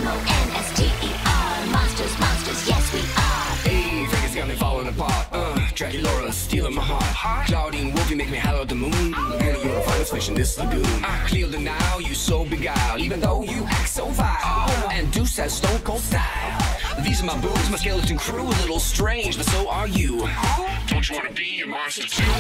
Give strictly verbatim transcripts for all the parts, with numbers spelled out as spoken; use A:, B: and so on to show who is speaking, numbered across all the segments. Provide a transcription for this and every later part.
A: M O N S T E R. Monsters, monsters, yes we are.
B: Hey, Vegas got me falling apart. Uh, Dracula stealing my heart. Claudine Wolfie make me holler at the moon. And you're the finest fish in this lagoon. I clear the now, you so beguiled. Even though you act so vile. And Deuce has stone cold style. These are my boobs, my skeleton crew. A little strange, but so are you. Don't you wanna be a monster too?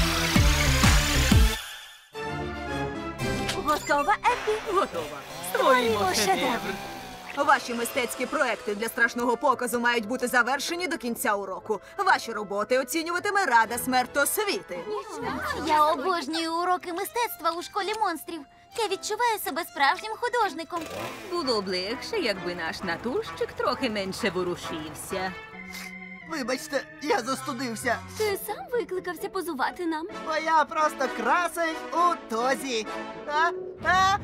C: Готова, Еппі?
D: Готова. Створюємо
C: шедевр.
D: Ваші мистецькі проекти для страшного показу мають бути завершені до кінця уроку. Ваші роботи оцінюватиме Рада смертосвіти.
E: Я обожнюю уроки мистецтва у школі монстрів. Я відчуваю себе справжнім художником.
F: Було б легше, якби наш натурщик трохи менше ворушився.
G: Вибачте, я застудився,
E: Ти сам викликався позувати нам.
G: бо я просто красень у тозі. А? А?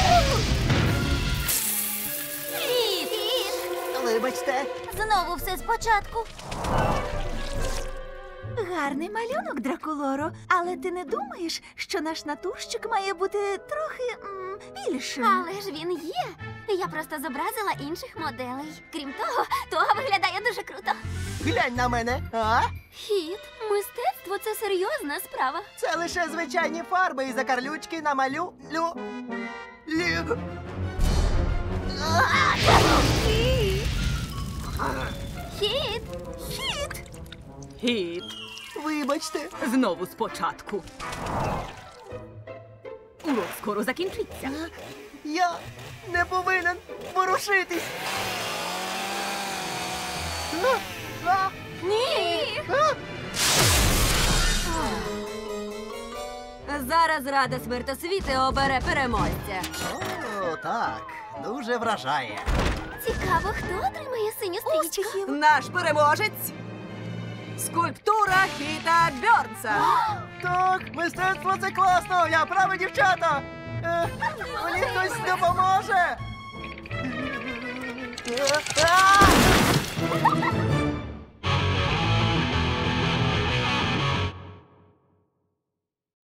E: Фіт!
G: Вибачте.
E: Знову все спочатку.
C: Гарний малюнок, Дракулоро. Але ти не думаєш, що наш натурщик має бути трохи м, більшим?
E: Але ж він є. Я просто зобразила інших моделей. Крім того, того виглядає дуже круто.
G: Глянь на мене. А?
E: Хіт, мистецтво – це серйозна справа.
G: Це лише звичайні фарби і закарлючки намалю... Лю... Лю...
E: Хіт!
C: Хіт!
F: Гід,
G: Вибачте.
F: знову спочатку. Урок скоро закінчиться.
G: Я не повинен ворушитись. А? А?
E: Ні!
G: А?
C: Зараз Рада смертосвіти обере переможця.
G: О, так. Дуже вражає.
E: Цікаво, хто отримає синю стрічку?
C: Успіхів!
D: Наш переможець – скульптура Хіта Бьорнса.
G: Так, мистецтво це класно. Я правий, дівчата. Е, мені хтось допоможе. Е, а!